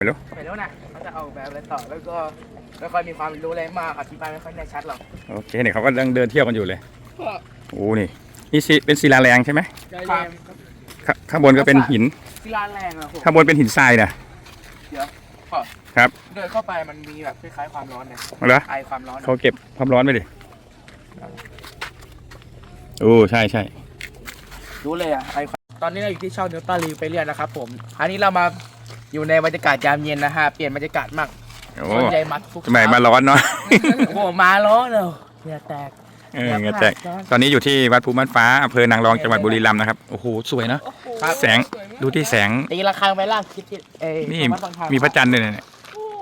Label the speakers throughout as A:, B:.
A: ไปแล้ว
B: นะเขาจะออกแบบอะไรต่อแล้วก็ไม่ค่อยมีความรู้อะไรมากอธิบายไม่ค่อยแน่ชัดหรอก
A: โอเคเนี่ยเขาก็เดินเที่ยวกันอยู่เลยโอ้นี่เป็นศิลาแรงใช่ไหมข้างบนก็เป็นหิน
B: ศิลาแรงอะผม
A: ข้างบนเป็นหินทรายนะ
B: เดี๋ยว
A: ครับ
B: เดินเข้าไปมันมีแบบคล้ายๆความร้อนเนี่ย
A: เหรอ
B: ไอความร้อน
A: เขาเก็บความร้อนไปดิโอ้ใช่
B: รู้เลยอะไอตอนนี้เราอยู่ที่ช่องนิวตันรีวิวไปเรียนนะครับผมอันนี้เรามาอยู่ในบรรยากาศยามเย็นนะฮะเปลี่ยนบรรยากาศมากคนใหญ่มัดทุก
A: ทำไมมาร้อนเนาะ
B: โอ้โหมาร้อนเลยเหงื่อแตก
A: เงี้ยแตกตอนนี้อยู่ที่วัดภูม่านฟ้าอำเภอนางรองจังหวัดบุรีรัมย์นะครับโอ้โหสวยนะแสงดูที่แสง
B: ตีระฆังไปล่างคิด
A: นี่มีพระจันทร์ด้วยเนี่ย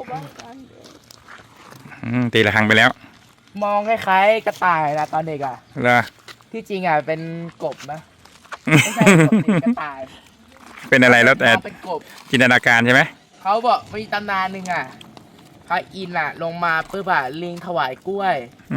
A: ตีระฆังไปแล้ว
B: มองคล้ายๆกระต่ายนะตอนเด็กอ่ะ
A: เหรอ
B: ที่จริงอ่ะเป็นกบนะไม่ใช่กบกระต่าย
A: เป็นอะไรแล้วแต่
B: เป็นกบ
A: จินตนาการใช่ไหม
B: เขาบอกมีตำนานหนึ่งอ่ะพระอินทร์อ่ะลงมาปุ๊บอ่ะลิงถวายกล้วย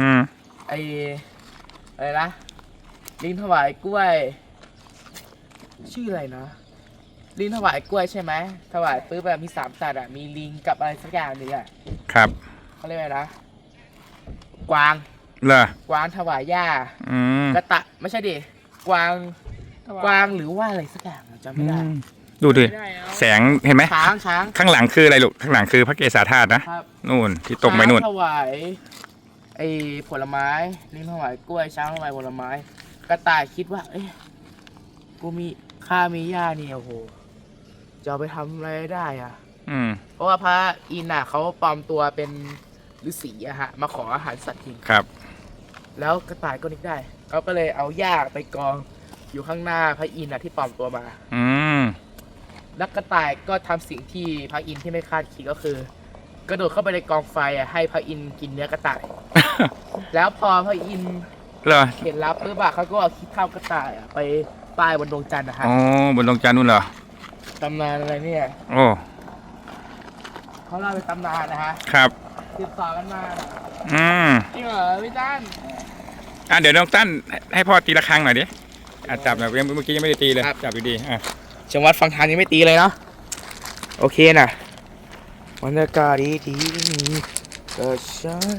B: อะไรนะลิงถวายกล้วยชื่ออะไรนะลิงถวายกล้วยใช่ไหมถวายปุ๊บแบบมี3สัตว์อ่ะมีลิงกับอะไรสักอย่างหนึ่งอ่ะ
A: ครับ
B: เขาเรียกอะไรนะกวาง
A: เหรอก
B: วางถวายหญ้ากระตะไม่ใช่ดิกวางหรือว่าอะไรสักอย่างจำไม่ได้
A: ดูดิแสงเห็นไหม
B: ช้าง
A: ข้างหลังคืออะไรลูกข้างหลังคือพระเกศาธาตุนะนู่นที่ตรงไปนู่น
B: ถวายผลไม้ลิงถวายกล้วยช้างถวายผลไม้กระต่ายคิดว่าเอ้ยกูมีหญ้านี่โอ้โหจะเอาไปทำอะไรได้อ่ะเพราะว่าพระอินทร์เขาปลอมตัวเป็นฤาษีอะฮะมาขออาหารสัตว์กิน
A: ครับ
B: แล้วกระต่ายก็นึกได้เขาก็เลยเอาหญ้าไปกองอยู่ข้างหน้าพระอินทร์ที่ปลอมตัวมาแล้วกระต่ายก็ทำสิ่งที่พระอินทร์ที่ไม่คาดคิดก็คือกระโดดเข้าไปในกองไฟให้พระอินทร์กินเนื้อกระต่าย แล้วพอพระอินทร์เห็นรับปุ๊บเขาก็เอาขี้เถ้ากระต่ายไปป้ายบนดวงจันทร์นะฮะ
A: อ๋อบนดวงจันทร์นู่นเหรอ
B: ตำนานอะไรเนี่ย
A: โอ้
B: เขาเล่าเป็นตำนานนะฮะ
A: ครับ
B: ติดต่อกันมาจริงเหรอพี่ตั้น
A: เดี๋ยวน้องตั้นให้พ่อตีระฆังหน่อยดิจับแบบเมื่อกี้ยังไม่ได้ตีเลยจับดี
B: จังหวัดฝั่งทางยังไม่ตีเลยเนาะโอเคนะบรรยากาศดีก็ชัด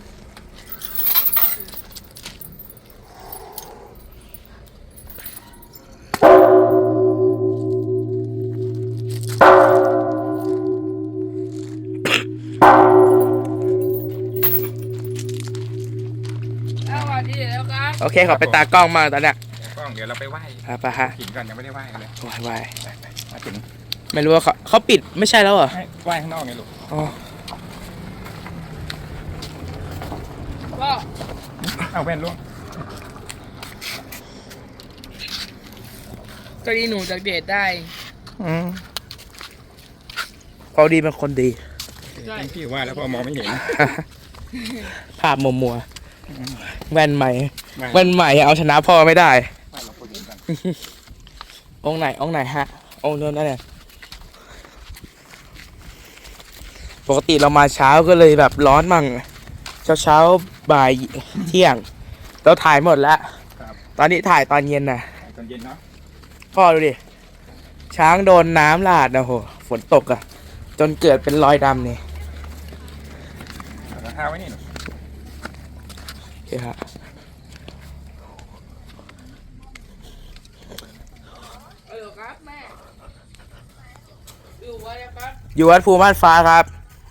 B: โอเคขอไปตากล้องมาตอนเนี้ย
A: กล้องเดี๋ยวเราไปไหว้
B: ไปฮะ
A: หินก่อนยังไม่ได้ไหว้กันเลย
B: ไหว้
A: มาถึง
B: ไม่รู้ว่าเขาปิดไม่ใช่แล้วเหรอ
A: ไหว้ข้างนอกไงลูก
B: ก็
A: เอาแว่นลูก
B: ก็ดีหนูจากเดทได้พอดีเป็นคนดี
A: พี่ว่าแล้วพอมองไม่เห็น
B: ภาพมัวแว่นใหม่เอาชนะพ่อไม่ได้องค์ไหนฮะองค์นั้นเนี่ยปกติเรามาเช้าก็เลยแบบร้อนมั่งเช้าบ่ายเที่ยงเราถ่ายหมดแล้วตอนนี้ถ่ายตอนเย็นน่ะ
A: ตอนเย็นเนาะ
B: พ่อดูดิช้างโดนน้ำราดนะโหฝนตกอ่ะจนเกิดเป็นรอยดำนี่
A: เท้าไว้นี่
B: โอเคฮะอยู่วัดภูม่านฟ้าครับ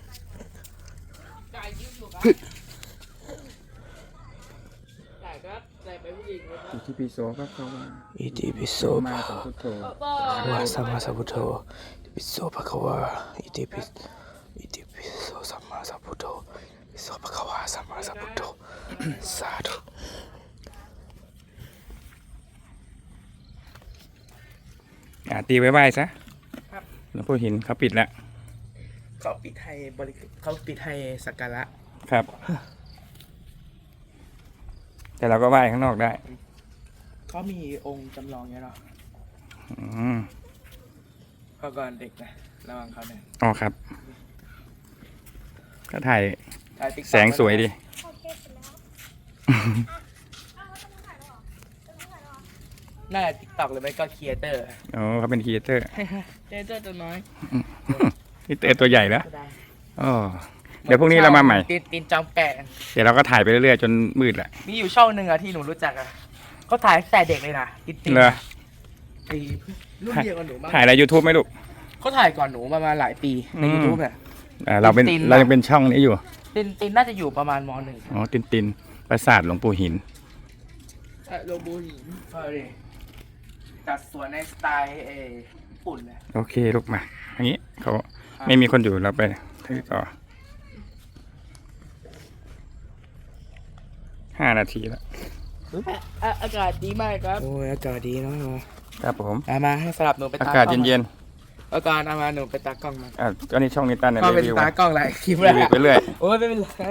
A: อิติปิโสพระควา
B: อิติปิโส
A: มาสัมพุทโธ
B: สัมมาสัมพุทโธอิติปิโสภะคะวะอิติปิโสสัมมาสัมพุทโธอิติปิโสภะคะวะสัมมาสัมพุทโธสาธุ
A: ตีไว้ไหว้ซะแล้วพวกหินเขาปิดแล้ว
B: เขาปิดให้สักการะ
A: ครับ แต่เราก็ไหว้ข้างนอกได้
B: เขามีองค์จำลองเนี้ยเนาะเขาก่อนเด็กนะระวังเขาเนี่ย
A: อ๋อครับก็ถ่ายแสงสวยดี
B: น่าจะติ๊กต็อกเลยไหมก็ครีเอเตอร์
A: อ๋อเขาเป็นครีเอเตอร์
B: ตัวน้อย
A: นี่ตัวใหญ่แล้ว
B: ก็ได้
A: อ๋อเดี๋ยวพรุ่งนี้เรามาใหม่
B: ตีนจอมแปะ
A: เดี๋ยวเราก็ถ่ายไปเรื่อยๆจนมืดแหละ
B: มีอยู่ช่องหนึ่งอะที่หนูรู้จักอะเขาถ่ายตั้งแต่เด็กเลยนะตีน
A: เหรอ
B: ไอ้รุ่นเดียวกับหนูมั้ง
A: ถ่ายใน YouTube ไหมลูก
B: เขาถ่ายก่อนหนูมาหลายปีใน
A: อืม
B: YouTube เนี่ย
A: เราเป็น
B: ตินๆ
A: เรายังเป็นช่องนี้อยู่
B: ตีนน่าจะอยู่ประมาณม.หนึ่ง
A: อ๋อตินปราสาทหลวงปู่หิน
B: โลบูหินจัดสวนในสไตล์ญี่ปุ่นเลย
A: โอเคลูกมาอันนี้เขาไม่มีคนอยู่เราไปถือต่อ5 นาทีแล้ว
B: อากาศดีมากครับโอ้ยอากาศดีเนาะ
A: ครับผม
B: มาให้สลับหนูไป
A: อากาศเย็น
B: อากาศเอามาหนูไปตากล้องมา
A: ๆก็นี่ช่องนิตันเนี่ย
B: ก็เป็น
A: รีวิว
B: ตากล้องหลายคลิป
A: รีวิวไปเรื่อย
B: โอ้ยไม่เป็นไร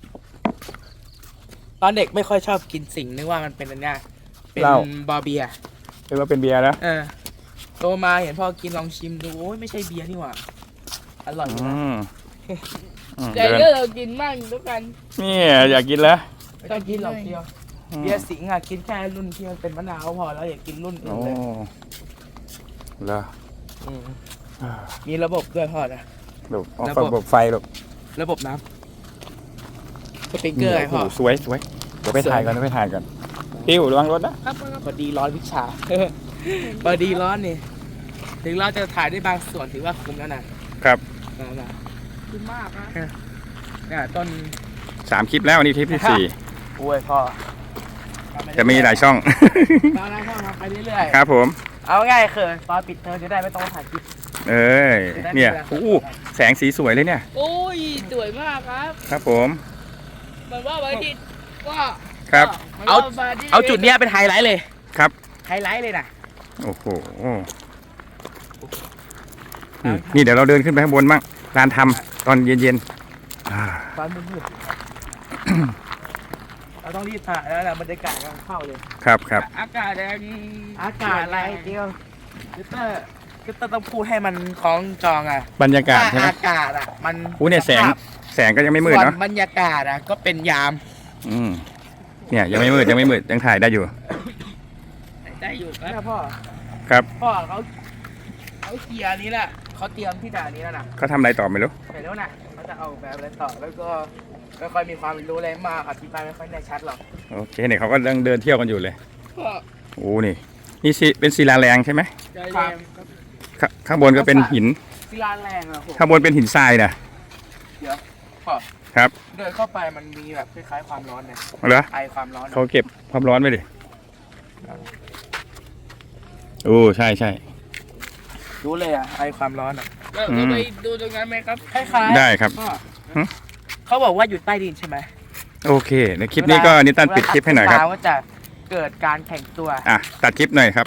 B: ตอนเด็กไม่ค่อยชอบกินสิ่งนึกว่ามันเป็นอันเนี้ยเป็นบอเบีย
A: เรียกว่าเป็นเบียร์แล้ว
B: โตมาเห็นพ่อกินลองชิมดูโอ้ยไม่ใช่เบียร์นี่หว่าอร่อยอยู่นะ
A: เดิน
C: ก็เรากินมั่งด้วยกัน
A: นี่อยากกินแล้ว
B: ไม่ต้องกินหรอกเดียวเบียร์สิงห์อะกินแค่รุ่นที่มันเป็นมะนาวพอแล้วอย่ากินรุ่นอื่
A: โอ้
B: นเลย
A: แล้ว
B: มีระบบด้วยพ่อนะ
A: ลูกเอา
B: ระบบ
A: ระบบไฟลูก
B: ระบบน้ำสปริงเกอร์ไงพ่อ
A: โโหสวยเดี๋ยวไปถ่ายกันติ้วระวังรถนะครับ
B: พอดีร้อนวิชา พอดีร้อนนี่ถึงเราจะถ่ายได้บางส่วนถือว่าคุ้มแล้วนะครับ นะ
C: ดีมากนะ
B: เนี่ยต้น
A: 3 คลิปแล้ววันนี้คลิปที่
B: โอ้ยพ่อ
A: 4จะมีหลายช่อง
B: ตอนนั้นพ่อทำไปเรื่อย
A: ครับผม
B: ๆเอาง่ายคือตอนปิดเทอมจะได้ไม่ต้องถ่ายคลิป
A: เอ้ยเนี่ยอู้แสงสีสวยเลยเนี่ย
C: โอ้ยสวยมากครับ
A: ครับผม
C: เหมือนว่าวันอาทิตย์ก็
A: ครับ
C: หมืนว่วันทิตย์
B: เอาจุดเนี้ยเป็นไฮไลท์เลย
A: ครับ
B: ไฮไลท์เลยนะ
A: โอ้โหนี่เดี๋ยวเราเดินขึ้นไปข้างบนบ้างร้านทำตอนเย็นๆ
B: ตอนมืดเราต้องรีบถ่ายแล้วแหละบรรยากาศกำลังเข้าเลย
A: ครับ
C: อากาศแดง
B: อากาศอะไรเดียวคือเตอร์ต้องพูดให้มันคล้องจองอ่ะ
A: บรรยากาศใช่ไหม
B: อากาศอ่ะมัน
A: อู้เนี่ยแสงก็ยังไม่มืด
B: ส่วน
A: เนาะ
B: บรรยากาศอ่ะก็เป็นยาม
A: เนี่ยยังไม่มืดยังถ่ายได้อยู่
C: ได้อยู่ครับ
B: เนี่ยพ่อ
A: ครับ
B: พ่อเขาเคลียร์นี้แหละเขาเตรียมที่ด่านนี้แล้วนะ
A: เขาทำอะไรต่อไม่รู้
B: เสร็จแล้วนะเขาจะเอาแบบอะไรต่อแล้วก็ไม่ค่อยมีความรู้อะไรมากอธิบายไม่ค่อยแน่ชัดหรอก
A: โอเคเนี่ยเขาก็เดินเที่ยวกันอยู่เลย
C: ก็
A: โอ้นี่เป็นศิลาแรงใช่ไหม
C: ใจแดงครับ
A: ข้างบนก็เป็นหิน
B: ศิลาแรงอะผม
A: ข้างบนเป็นหินทรายนะ
B: เดี๋ยวพ่อ
A: ครับ
B: เดินเข้าไปมันมีแบบคล้ายๆความร้อนเนี่ย
A: เหรอ
B: ไอความร้อนอะ
A: เขาเก็บความร้อนไว้ดิโอ้ใช่
B: รู้เลยอะไอความร้อนอะ
C: เราไปดูตรงนั้นไหมครับ
B: คล้ายๆ
A: ได้ครับ
B: พ่อ
A: หึ
B: เขาบอกว่าอยู่ใต้ดินใช่ไหม
A: โอเคในคลิปนี้ก็นิตันปิดคลิปให้หน่อยครับ
B: เวลาว่าจะเกิดการแข่งตัว
A: ตัดคลิปหน่อยครับ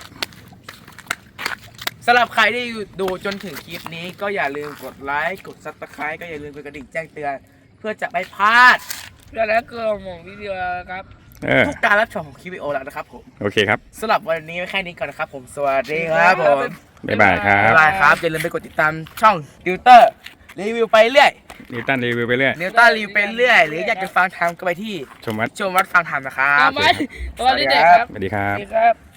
B: สำหรับใครที่ดูจนถึงคลิปนี้ก็อย่าลืมกดไลค์กดซับสไครต์ก็อย่าลืมกดกระดิ่งแจ้งเตือน เพื่อจะไม่พลาด
C: แล้วก็หมองวิดีโอครับ
B: ทุกการรับชมของคลิปวิดีโอแล้วนะครับผม
A: โอเคครับ
B: สำหรับวันนี้แค่นี้ก่อนนะครับผมสวัสดีครับผม
A: บ๊ายบายครับ
B: บ๊ายบายครับอย่าลืมไปกดติดตามช่องติวเตอร์รีวิวไปเรื่อย
A: นิตันรีวิวไปเรื่อย
B: นิวต้ารีวิวไปเรื่อยหรืออยากจะฟังทำก็ไปที่
A: ชมวัด
B: ชมวัดฟังธรรมนะครับ
C: ตามมาตอนนี้เด็กครับ
A: สวัสดีครับ
C: สวัสดีครับ